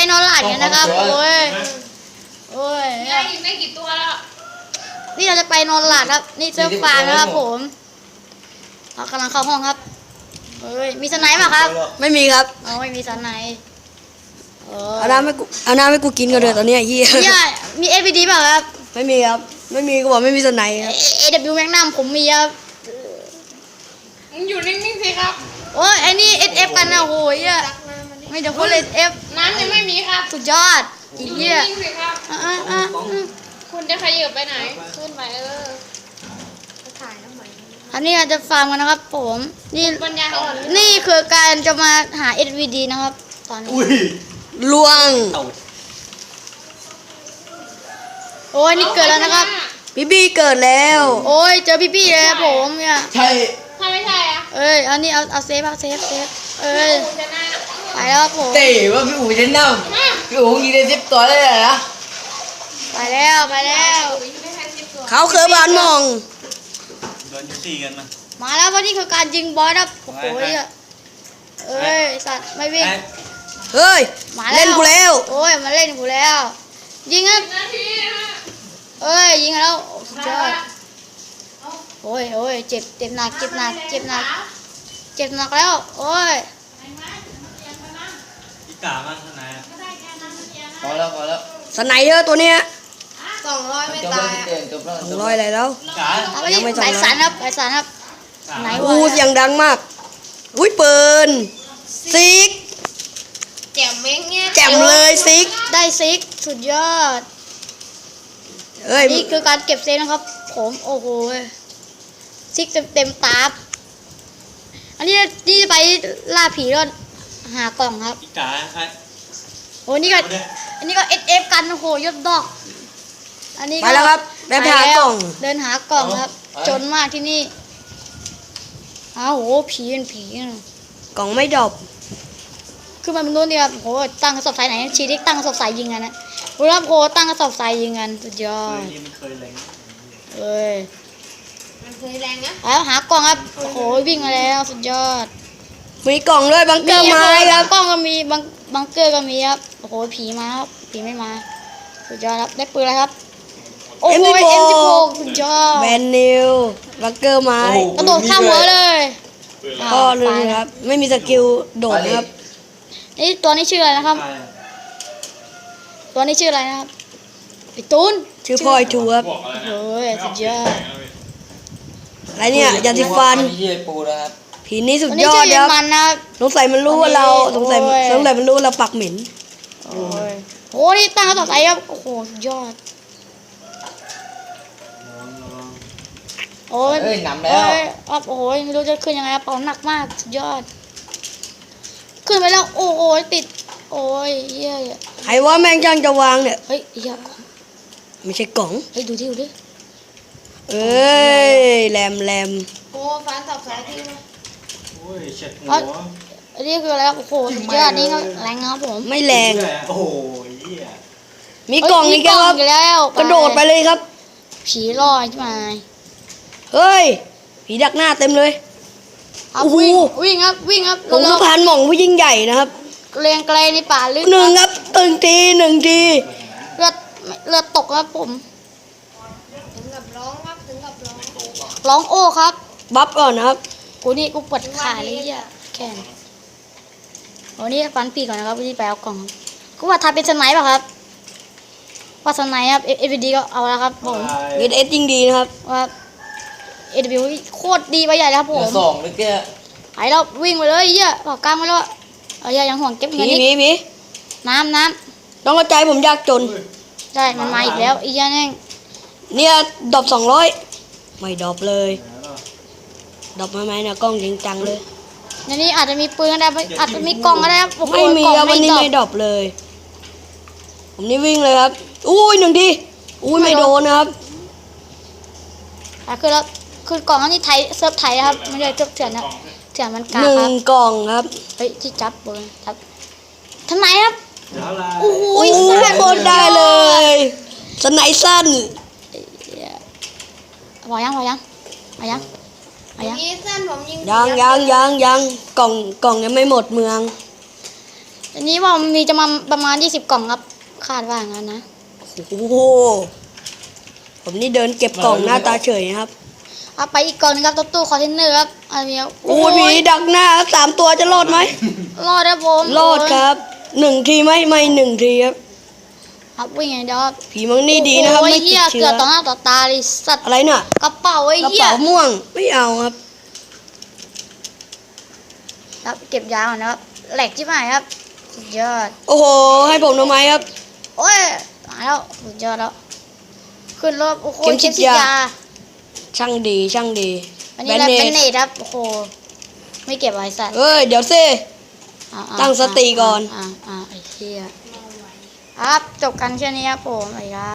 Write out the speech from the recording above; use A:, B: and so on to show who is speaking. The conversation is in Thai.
A: นอนหลับกันนะครับโอ้ย
B: ได้อีกไม่กี่ตัวแล้ว
A: นี่เราจะไปนอนหลับครับนี่เซิร์ฟฟาร์มนะครับผมเรากำลังเข้าห้องครับเฮ้ยมีสไนป์ป่ะครับ
C: ไม่มีครับ
A: ไม่มีสไนป์
C: เอาน้ำให้กูกินกันเลยตอนนี้เฮีย
A: มี SVD ป่ะครับ
C: ไม่มีครับไม่มีก็บอกไม่มีสไนป์ครับ
A: AW Magnum ผมมีครับ
B: มึงอยู่นิ่งๆสิครับ
A: โอ้ยไอ้นี่ SF กันนะโอ้ยไม่เดี๋ยวพูดเลย SF
B: น้ำยังไม่มีครับ
A: สุดยอดอีกเหี้ย
B: นิ่งๆสิครับคุณจะขยับไปไหนขึ้นไปถ่ายทำไม
A: อันนี้เราจะฟาร์มกันนะครับผมนี่
B: ปัญญาอ่อน
A: นี่คือการจะมาหา SVD นะครับตอนนี้
C: ล่วง
A: โอ้ยนี่เกิดแล้วนะครับ
C: พี่เกิดแล้ว
A: โอ้ยเจอพี่เลยผมเนี่ย
C: ใช่
B: ถ้าไม่ใช่อะ
A: อันนี้เอาเซฟไปแล้วผม
C: เต๋ว่าพี่อู๋จะนั่งพี่อู๋ยิงได้10 ตัวเลยเหรอ
A: ไปแล้ว
C: เขาเคยบานมอง
D: โดนตีกัน
A: มาแล้ววันนี้คือการยิงบอสครับโอ้โหสัตว์ไม่วิ่ง
C: เฮ้ยเล่นกูแล้ว
A: โอ้ยมาเล่นกูแล้วยิงครับยิงแล้วเจอโอ้ยเจ็บหนักแล้วโอ้ย
D: อีกามันเท่าไหร่
C: พอแล้วสไนเยอร์ตัวเนี้ย
B: 200ไม่ตาย
C: 200อะไรแล้ว
A: ยังไม่สารครับไหนวะ
C: เสียงดังมากอุ้ยปืนซิก
B: แจ่มเม้งเนี่ย
C: แจ่มเลยซิก
A: ได้ซิกสุดยอดนี่คือการเก็บเซฟนะครับผมโอ้โหซิกเต็มตาอันนี้ไปล่าผีแล้วหากล่องครับ
D: อีกา
A: โอ้นี่ก็SF กันโอ้โหยศดอกอันนี้
C: ไปแล้วครับเดินหากล่อง
A: ครับจนมากที่นี่โอ้โหผีเป็นผี
C: กล่องไม่ดรอป
A: คือมันนู้นเนี่ยโหตั้งกระสอบทรายไหนชีดิกตั้งกระสอบทรายยิงกันนะรู้แล้วโหตั้งกระสอบทรายยิงกันสุดยอด
D: มันเคยแรง
B: มันเคยแรงนะ
A: แล้วหากล่องครับโอ้โหวิ่งมาแล้วสุดยอด
C: มีกล่องด้วยบังเกอร์มาครับ
A: กล่องก็มีบังเกอร์ก็มีครับโอ้โหผีมาครับผีไม่มาสุดยอดครับได้ปืนอะไรครับโอ้โห M16 สุดยอด
C: แบนนิวบังเกอร์มาก
A: ระโดดข้ามหัวเลย
C: ก็เลยครับไม่มีสกิลโดดครับ
A: นี่ตัวนี้ชื่ออะไรนะครับพี่ตูน
C: ชื่อพลอยชูครับ
A: โอ้ยสุดยอด
C: อะไรเนี่ยยาสีฟันผีนี้สุดยอดครับสงสัยมันรู้ว่าเราสงสัยมันรู้เราปักเหม็น
A: โอ้นี่ตั้งต่อไปครับโอ้โหสุดยอดโอ้ย
C: นำแล้ว
A: โอ้ยไม่รู้จะขึ้นยังไงครับเป่าหนักมากสุดยอดขึ้นไปแล้วโอ้ยติดโอ้ยเหี้ย
C: ใครว่าแม่งจังจะวางเนี่ย
A: เฮ้ยเหี้ย
C: ไม่ใช่กล่อง
A: เฮ้ยดูดิ
C: แรม
B: โอ้ฟันสับสายที่
D: โอ้ยเช็ดหัว
A: อันนี้คืออะไรโอ้โหสุดยอดนี่ก็แรงครับผม
C: ไม่แรง
D: โอ้โห
C: มีกล่องอีกครับกระโดดไปเลยครับ
A: ผีลอยใช่ไหม
C: เฮ้ยผีดักหน้าเต็มเลย
A: โอ้โหวิ่งครับ
C: ผมสะพานหม่องผู้ยิ่งใหญ่นะครับ
A: เรียงไกลในป่าลึก
C: หนึ่งครับ1 ที
A: เลือดตกครับผม
B: ถึงกับร้อง
A: ร้องโอ้ครับ
C: บัฟก่อนนะครับ
A: กูปวดขาเลยอ่ะแขนวันนี้ฟันปีก่อนนะครับวันนี้ไปเอากล่องกูว่าทำเป็นสไนป์ป่ะครับว่าสไนป์ครับ FVD ก็เอาแล้วครับผม
C: เอสยิ่งดีนะครับ
A: ว่า AW โคตรดีไปใหญ่แล้วครับผม
C: 2เลยแก
A: ไปแล้ววิ่งไปเลยเหี้ยปากกลางไปแล้วยังห่วงเก็บเงินนี่
C: มี
A: น้
C: ำต้องกระจายผมยากจน
A: ใช่มันมาอีกแล้วอีกอย่างนึง
C: เนี่ยดรอป200ไม่ดรอปเลยดรอปมาไหมเนี่ยกล้องจริงจังเลย
A: ในนี้อาจจะมีปืนก็ได้อาจจะมีกล่องก็ได้
C: ไม่มีครับวันนี้ไม่ดรอปเลยผมนี่วิ่งเลยครับอุ้ย1 ทีอุ้ยไม่โดนนะครับ
A: คือกล่องอันนี้ไทยเซิร์ฟไทยครับไม่ใช่เซิร์ฟเถื่อนนะเถื่อนมันกาครับ
C: 1 กล่องครับ
A: เฮ้ยที่จับปืนครับทำไมครับ
C: โอ้ยโคตรได้เลยสไนสั้น
A: พอยัง
B: สั้นผมยิง
C: ยังกล่องยังไม่หมดเมือง
A: อันนี้ว่ามันมีจะมาประมาณ20 กล่องครับคาดว่างั้นนะ
C: โอ้โหผมนี่เดินเก็บกล่องหน้าตาเฉยนะครับ
A: เอาไปอีกกล่องนึงครับตู้คอนเทนเนอร์ครับอันนี้
C: โอ้ยผีดักหน้า3 ตัวจะรอดไหม
A: รอดครับผม
C: รอดครับ1 ทีไม่1 ทีครับ
A: ครับวิ่งไงเดี๋ยวครับ
C: ผีมังนี่ดีนะครับ
A: โอ้ย
C: ไม่ติ
A: เหี้ย
C: ดเชื้
A: เกื
C: อ
A: อบต่อหน้าต่อตาเลยสัตว์
C: อะไรน่ะ
A: กระเป๋าไอ้
C: กระ
A: เหี้ย
C: เป๋าม่วงไม่เอาครับ
A: ครับเก็บยาก่อนนะครับแหลกที่ไหนครับสุดยอด
C: โอ้โหให้ผมทำไมครับ
A: โอ้ยมาแล้วสุดยอดแล้วขึ้นรถโอ้โห
C: เข็มฉีดยา
A: ยา
C: ช่างดีช่างดี
A: อันนี้แหละเป็นเนตครับโอ้โหไม่เก็บไว้สัตว์
C: เอ้ยเดี๋ยวสิ
A: อ่า
C: ตั้งสติก่อน
A: ไอ้เหี้ยครับจบกันแค่นี้ครับผมสวัสดีครับ